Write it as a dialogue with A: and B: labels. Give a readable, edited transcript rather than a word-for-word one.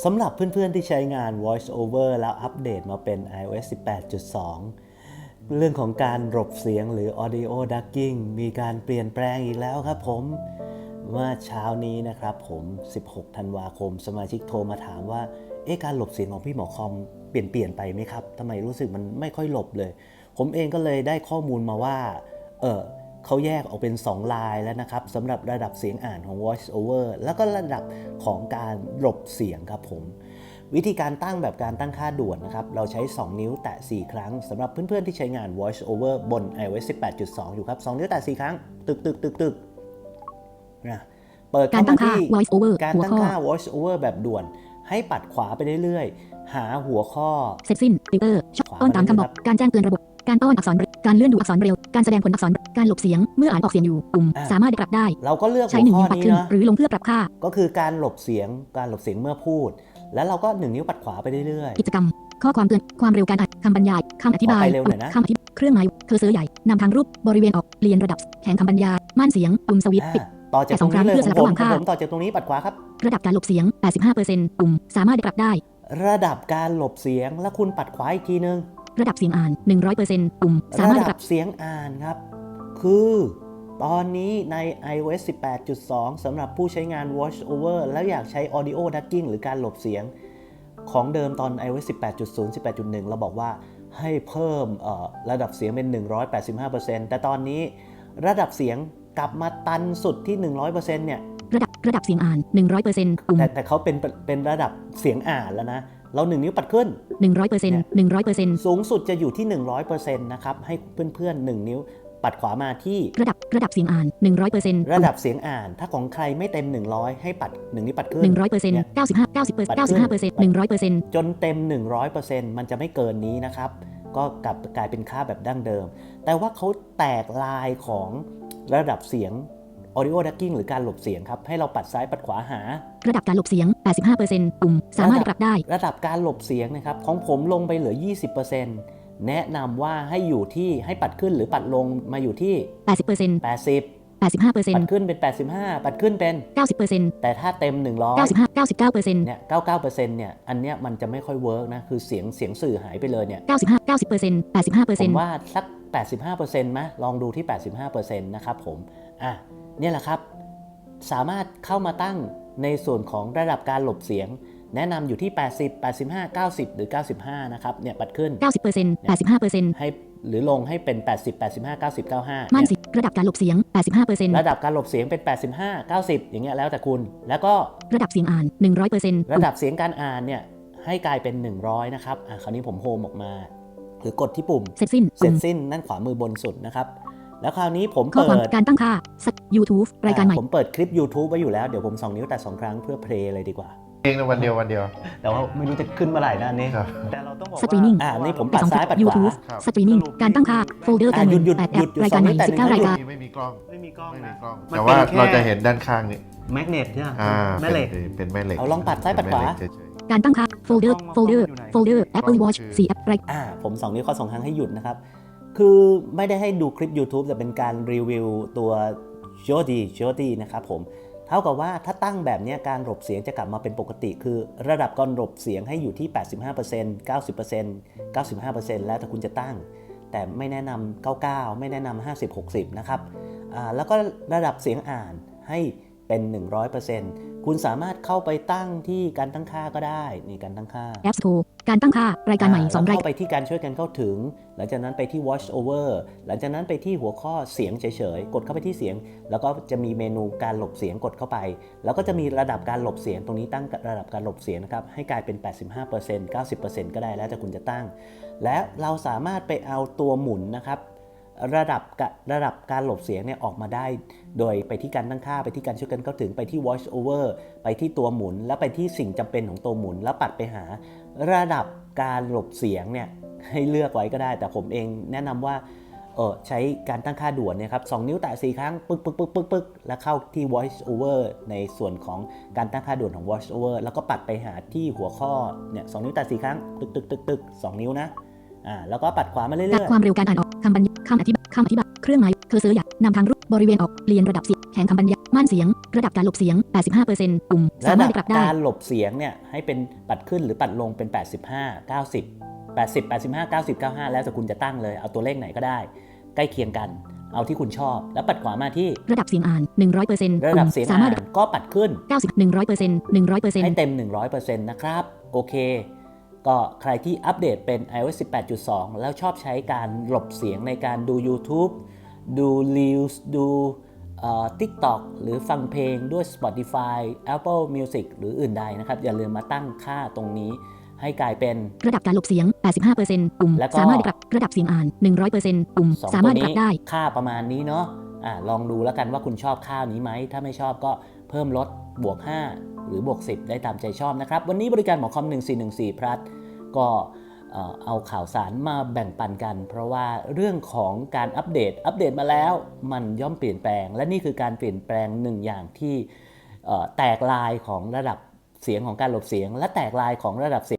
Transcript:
A: สำหรับเพื่อนๆที่ใช้งาน Voice Over แล้วอัปเดตมาเป็น iOS 18.2 เรื่องของการหลบเสียงหรือ Audio Ducking มีการเปลี่ยนแปลงอีกแล้วครับผมเมื่อเช้านี้นะครับผม16 ธันวาคมสมาชิกโทรมาถามว่าการหลบเสียงของพี่หมอคอมเปลี่ยนไปไหมครับทำไมรู้สึกมันไม่ค่อยหลบเลยผมเองก็เลยได้ข้อมูลมาว่าเขาแยกออกเป็น2ลายแล้วนะครับสำหรับระดับเสียงอ่านของ Voice Over แล้วก็ระดับของการหลบเสียงครับผมวิธีการตั้งแบบการตั้งค่าด่วนนะครับเราใช้2นิ้วแตะ4ครั้งสำหรับเพื่อนๆที่ใช้งาน Voice Over บน iOS 18.2 อยู่ครับ2นิ้วแตะ4ครั้งตึกนะเปิดเข้ามาที่การตั้งค่า Voice Over แบบด่วนให้ปัดขวาไปเรื่อยๆหาหัวข้อ
B: เสร็จสิ้นฟิลเตอร์ต้อนตามคำบอกการแจ้งเตือนระบบการต้อนอักษรการเลื่อนดูอักษรเร็วการแสดงผลอักษรการหลบเสียงเมื่ออ่านออกเสียงอยู่ปุ่มสามารถปรับได้
A: เราก็เลือก
B: ใช้1นิ้วปัดขึ้นหรือลงเพื่อปรับค่า
A: ก็คือการหลบเสียงเมื่อพูดแล้วเราก็1นิ้วปัดขวาไปเรื่อย
B: ๆกิจกรรมข้อความเตือนความเร็วการอ่านคำบรรยายคำอธิบายคำอธิบายเครื่องหมายเคอร์เซอร์ใหญ่นำทางรูปบริเวณออกเรียนระดับแข่งคำบรรยายม่านเสียงปุ่มสวิตช์ปิด
A: ต่อจากตรงนี้เลยผมต่อจากตรงนี้ปัดขวาครับ
B: ระดับการหลบเสียง 85% ปุ่มสามารถปรับได้
A: ระดับการหลบเสียงแล้วคุณปัดขวาอีกทีนึง
B: ระดับเสียงอ่าน 100% ปุ่มสามารถ
A: ระดับเสียงอ่านครับคือตอนนี้ใน iOS 18.2 สำหรับผู้ใช้งาน Voice Over แล้วอยากใช้ Audio Ducking หรือการหลบเสียงของเดิมตอน iOS 18.0 18.1 เราบอกว่าให้เพิ่มระดับเสียงเป็น 185% แต่ตอนนี้ระดับเสียงกลับมาตันสุดที่ 100% เนี่ย
B: ระดับเสียงอ่าน 100% ปุ่ม
A: แต่เขาเป็นระดับเสียงอ่านแล้วนะเรา1นิ้วปัดขึ้น
B: 100%
A: สูงสุดจะอยู่ที่ 100% นะครับให้เพื่อนๆ1นิ้วปัดขวามาที่
B: ระดับเสียงอ่าน 100%
A: ระดับเสียงอ่านถ้าของใครไม่เต็ม100ให้ปัด1นิ้วปัดขึ้น
B: 100% 95% 100%
A: จนเต็ม 100% มันจะไม่เกินนี้นะครับก็กลายเป็นค่าแบบดั้งเดิมแต่ว่าเขาแตกลายของระดับเสียง Audio Ducking หรือการหลบเสียงครับให้เราปัดซ้ายปัดขวาหา
B: ระดับการหลบเสียง 85% ปุ่มสามารถปรับได้
A: ระดับการหลบเสียงนะครับของผมลงไปเหลือ 20% แนะนำว่าให้ปัดขึ้นหรือปัดลงมาอยู่ที่
B: 80%
A: 85% ปัดขึ้นเป็น85ปัดขึ้นเป็น
B: 90%
A: แต่ถ้าเต็ม100
B: 99%
A: เนี่ย 99% เนี่ยอันเนี้ยมันจะไม่ค่อยเวิร์กนะคือเสียงสื่อหายไปเลยเนี่ย
B: 90%
A: ผมว่าสัก 85% มั้ยลองดูที่ 85% นะครับผมเนี่ยแหละครับสามารถเข้ามาตั้งในส่วนของระดับการหลบเสียงแนะนำอยู่ที่80 85 90หรือ95นะครับเนี่ยปัดขึ้น
B: 90% 85%
A: ให้หรือลงให้เป็น80 85 90 95
B: ม่านเสียงระดับการหลบเสียง 85%
A: ระดับการหลบเสียงเป็น85 90อย่างเงี้ยแล้วแต่คุณแล้วก็
B: ระดับเสียงอ่าน 100%
A: ระดับเสียงการอ่านเนี่ยให้กลายเป็น100นะครับคราวนี้ผมโฮมออกมาหรือกดที่ปุ่ม
B: เสร็จสิ้น
A: นั่นขวามือบนสุดนะครับแล้วคราวนี้ผม
B: เปิดการตั้งค่า YouTube รายการใหม่
A: ผมเปิดคลิป YouTube ไว้อยู่แล้วเดี๋ยวผม2นิ้วแต่2ครั้งเพื่อเพลย์เลยดีกว่า
C: เองในวันเดียว
A: แต่ว่าไม่รู้จะขึ้นเมื่อไหร่นะนี่แต่เราต้องบอกว่า
B: สตรีมมิ่ง
A: นี่ผมปัดซ้ายปัดขวา
B: สตรีมมิ่งการตั้งค่าโฟลเดอร์การ
A: หยุด
B: รายการใหม่19รายการ
C: ไม่มีกล้องแต่ว่าเราจะเห็นด้านข้างนี่
A: แมกเนตใช่ไหม
C: แม่เหล็กเป็นแม่เหล็ก
A: เอาลองปัดซ้ายปัดขวา
B: การตั้งค่าโฟลเดอร์ Apple Watch 4 แอป
A: ผม2นิ้วข้อ2ครั้งให้หยุดนะครับคือไม่ได้ให้ดูคลิป YouTube แต่เป็นการรีวิวตัว Jody นะครับผมเท่ากับว่าถ้าตั้งแบบนี้การหลบเสียงจะกลับมาเป็นปกติคือระดับการหลบเสียงให้อยู่ที่ 85% 90% 95% แล้วแต่คุณจะตั้งแต่ไม่แนะนำ99ไม่แนะนำ50 60นะครับแล้วก็ระดับเสียงอ่านให้เป็น 100% คุณสามารถเข้าไปตั้งที่การตั้งค่าก็ได้นี่การตั้งค่า
B: App Store การตั้งค่ารายการใหม่2ราย
A: เข้าไปที่การช่วยกันเข้าถึงหลังจากนั้นไปที่ Voice Over หลังจากนั้นไปที่หัวข้อเสียงเฉยๆกดเข้าไปที่เสียงแล้วก็จะมีเมนูการหลบเสียงกดเข้าไปแล้วก็จะมีระดับการหลบเสียงตรงนี้ตั้งระดับการหลบเสียงนะครับให้กลายเป็น 85% 90% ก็ได้แล้วแต่คุณจะตั้งและเราสามารถไปเอาตัวหมุนนะครับระดับการหลบเสียงเนี่ยออกมาได้โดยไปที่การตั้งค่าไปที่การช่วยกันเข้าถึงไปที่ Voice Over ไปที่ตัวหมุนแล้วไปที่สิ่งจำเป็นของตัวหมุนแล้วปัดไปหาระดับการหลบเสียงเนี่ยให้เลือกไว้ก็ได้แต่ผมเองแนะนำว่าใช้การตั้งค่าด่วนเนี่ยครับ2นิ้วแตะ4ครั้งปึ๊กแล้วเข้าที่ Voice Over ในส่วนของการตั้งค่าด่วนของ Voice Over แล้วก็ปัดไปหาที่หัวข้อเนี่ย2นิ้วแตะ4ครั้งตึก2นิ้วนะแล้วก็ปัดขวามาเรื่อย
B: ๆความเร็วการอ่านออกคำอธิบายเครื่องหมายเคอร์เซอร์ใหญ่นำทางรูปบริเวณออกเปลี่ยนระดับเสียงแข่งคำบรรยายม่านเสียงระดับการหลบเสียง 85% ปุ่มสา
A: ระ
B: มา
A: ดั
B: ร
A: บ
B: ถปรับได้
A: การหลบเสียงเนี่ยให้เป็นปัดขึ้นหรือปัดลงเป็น 85 90 80 85 90 95 แล้วแต่คุณจะตั้งเลยเอาตัวเลขไหนก็ได้ใกล้เคียงกันเอาที่คุณชอบแล้วปัดขวามาที่
B: ระดับเสียงอ่าน 100%
A: ระดับเสียง
B: สา
A: อ่าม
B: ารถ
A: นก็ปัดขึ้น
B: 90 100%
A: ให้เต็ม 100% นะครับโอเคก็ใครที่อัปเดตเป็น iOS 18.2 แล้วชอบใช้การหลบเสียงในการดู YouTube ดู Reels ดูTikTok หรือฟังเพลงด้วย Spotify Apple Music หรืออื่นใดนะครับอย่าลืมมาตั้งค่าตรงนี้ให้กลายเป็น
B: ระดับการหลบเสียง 85% ปุ่ม
A: แล้วก็
B: สามารถปรับระดับเสียงอ่าน 100% ปุ่ม
A: 2
B: สา
A: ตั
B: มาร
A: ว
B: ถปรั
A: นี้
B: บได้
A: ค่าประมาณนี้เนาะลองดูแล้วกันว่าคุณชอบค่านี้ไหมถ้าไม่ชอบก็เพิ่มลดบวก 5 หรือบวก 10 ได้ตามใจชอบนะครับวันนี้บริการหมอคอม1414 plus ก็เอาข่าวสารมาแบ่งปันกันเพราะว่าเรื่องของการอัปเดตมาแล้วมันย่อมเปลี่ยนแปลงและนี่คือการเปลี่ยนแปลงหนึ่งอย่างที่แตกลายของระดับเสียงของการหลบเสียงและแตกลายของระดับเสียง